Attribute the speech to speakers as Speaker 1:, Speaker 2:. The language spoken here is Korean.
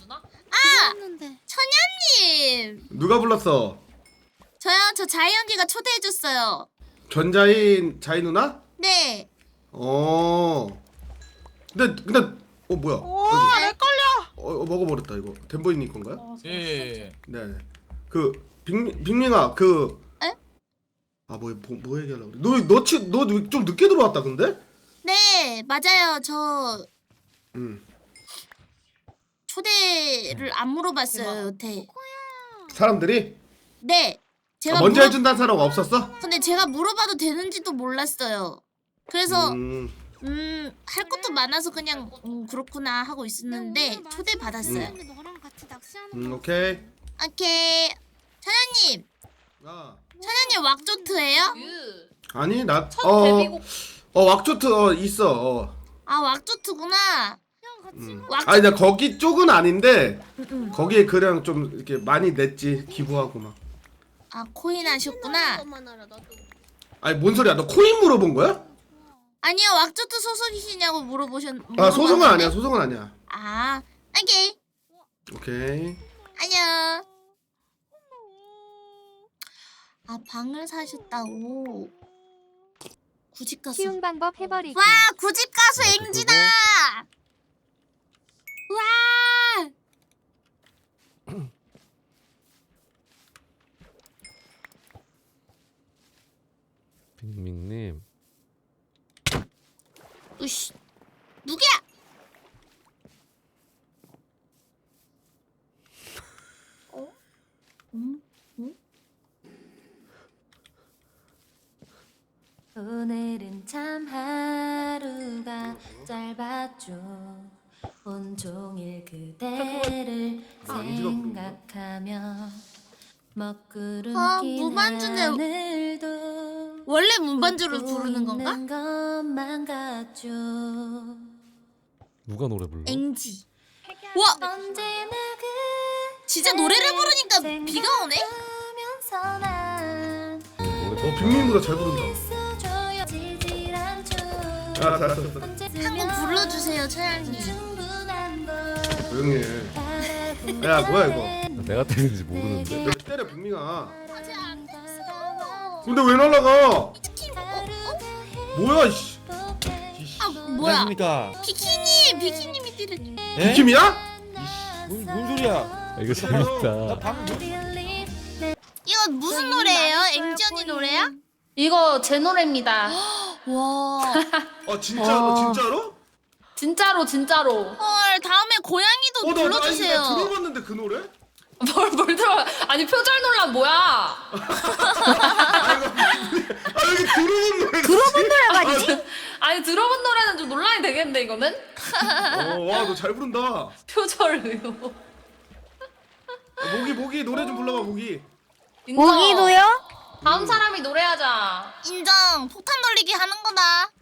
Speaker 1: 누나?
Speaker 2: 했는데.
Speaker 3: 천연님.
Speaker 4: 누가 불렀어?
Speaker 3: 저요. 저 자이 언니가 초대해줬어요.
Speaker 4: 전자인 자이 누나?
Speaker 3: 네.
Speaker 4: 근데 뭐야?
Speaker 2: 와, 헷갈려.
Speaker 4: 먹어버렸다 이거. 덴보이님 건가요?
Speaker 1: 예.
Speaker 4: 네. 그 빅밍아 그.
Speaker 3: 에?
Speaker 4: 뭐 얘기하려고 그래? 너 좀 늦게 들어왔다 근데?
Speaker 3: 네, 맞아요. 저
Speaker 4: 응.
Speaker 3: 초대를 안 물어봤어요, 여태.
Speaker 4: 사람들이
Speaker 3: 네. 제가
Speaker 4: 먼저 해준다는 사람 없었어?
Speaker 3: 근데 제가 물어봐도 되는지도 몰랐어요. 그래서 할 것도 많아서 그냥 그렇구나 하고 있었는데 초대 받았어요.
Speaker 2: 너랑 같이 낚시하는
Speaker 4: 오케이.
Speaker 3: 오케이. 천연님,
Speaker 4: 아
Speaker 3: 천연님 왁조트예요?
Speaker 4: 아니
Speaker 1: 첫 데뷔곡.
Speaker 4: 왁초트 있어.
Speaker 3: 아 왁조트구나.
Speaker 4: 아니 나 거기 쪽은 아닌데
Speaker 3: 응.
Speaker 4: 거기에 그냥 좀 이렇게 많이 냈지 기부하고 막.
Speaker 3: 아 코인 하셨구나.
Speaker 4: 아니 뭔 소리야? 너 코인 물어본 거야?
Speaker 3: 아니요 왁조트 소속이시냐고
Speaker 4: 아 소송은 아니야. 소송은 아니야.
Speaker 3: 아 오케이.
Speaker 4: 오케이.
Speaker 3: 안녕. 아 방을 사셨다고. 구집 가수.
Speaker 5: 쉬운 방법 해버리기.
Speaker 3: 와 구집 가수 앵지다. 와.
Speaker 6: 빅밍님
Speaker 3: 으씨. 누구야? 어? 응?
Speaker 5: 오늘은 참 하루가 짧았죠. 온종일 그대를 생각하며 먹구름 낀
Speaker 3: 무반주는
Speaker 5: 하늘도
Speaker 3: 원래 문반주로 부르는 건가?
Speaker 5: 있는 것만 같죠.
Speaker 6: 누가 노래 불러?
Speaker 3: 앵지. 와
Speaker 5: 언제나
Speaker 3: 진짜 노래를 부르니까 비가 오네?
Speaker 5: 생각하면서 난
Speaker 6: 노래
Speaker 4: 빅밍보다 잘 부른다.
Speaker 5: 있어줘야지질 않죠.
Speaker 4: 아 잘했어.
Speaker 3: 한 곡 불러주세요 천연님.
Speaker 5: 충분한 걸
Speaker 4: 조용히 해. 야 뭐야 이거?
Speaker 6: 내가 때린지 모르는데.
Speaker 4: 너 때려 빅밍아.
Speaker 3: 아직 안 됐어.
Speaker 4: 근데 왜 날라가?
Speaker 3: 치킨.
Speaker 4: 뭐야 이씨.
Speaker 3: 아 뭐야?
Speaker 7: 안녕하십니까?
Speaker 3: 비키니 미띠를.
Speaker 7: 예?
Speaker 4: 비킴이야?
Speaker 7: 뭔 소리야?
Speaker 6: 아, 이거 재밌다.
Speaker 3: 이거 무슨 노래예요? 앵지 언니 노래야?
Speaker 1: 이거 제 노래입니다.
Speaker 3: 와.
Speaker 4: 진짜로?
Speaker 1: 진짜로.
Speaker 3: 헐 다음에 고양이도
Speaker 4: 나
Speaker 3: 불러주세요.
Speaker 4: 들어봤는데 그 노래?
Speaker 1: 뭘 들어? 아니 표절 논란 뭐야?
Speaker 4: 아 여기 들어본 노래. 들어본 노래가 아니지?
Speaker 1: 아니 들어본 노래는 좀 논란이 되겠는데 이거는?
Speaker 4: 와 너 잘 부른다.
Speaker 1: 표절 의혹.
Speaker 4: 모기 노래 좀 불러봐 모기.
Speaker 1: 모기도요? 다음 사람이 노래하자.
Speaker 3: 인정. 폭탄 돌리기 하는 거다.